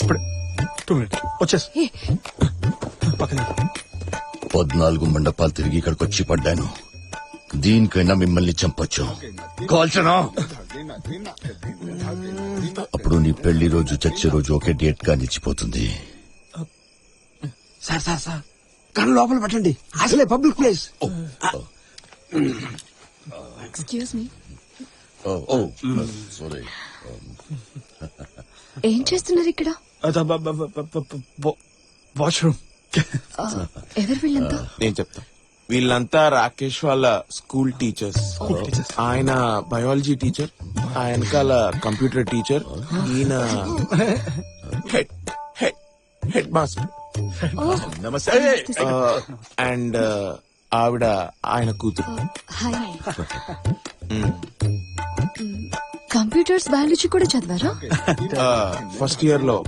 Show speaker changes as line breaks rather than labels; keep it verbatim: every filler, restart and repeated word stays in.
ఇప్పుడే two minutes వచ్చేసి పక్కన
పద్నాలుగు మండపాలు తిరిగి ఇక్కడికి వచ్చి పడ్డాను. దీనికైనా మిమ్మల్ని చంపొచ్చు. కాల్చనా? అప్పుడు నీ పెళ్లి రోజు చచ్చే రోజు ఒకే డేట్ గా నిచ్చిపోతుంది.
సార్ సార్ సార్ కన్ను లోపల పెట్టండి, అసలే public place.
Excuse me,
sorry.
ఏం చేస్తున్నారు ఇక్కడ?
వాష్రూమ్.
ఎవరు వీళ్ళంతా?
నేను చెప్తా. వీళ్ళంతా రాకేష్ వాళ్ళ స్కూల్ టీచర్స్. ఆయన బయాలజీ టీచర్, ఆయనకాల కంప్యూటర్ టీచర్, ఈయన head head headmaster and ఆవిడ ఆయన కూతురు.
హాయ్. కంప్యూటర్స్ బయాలజీ కూడా చదివారా?
ఫస్ట్ ఇయర్ లో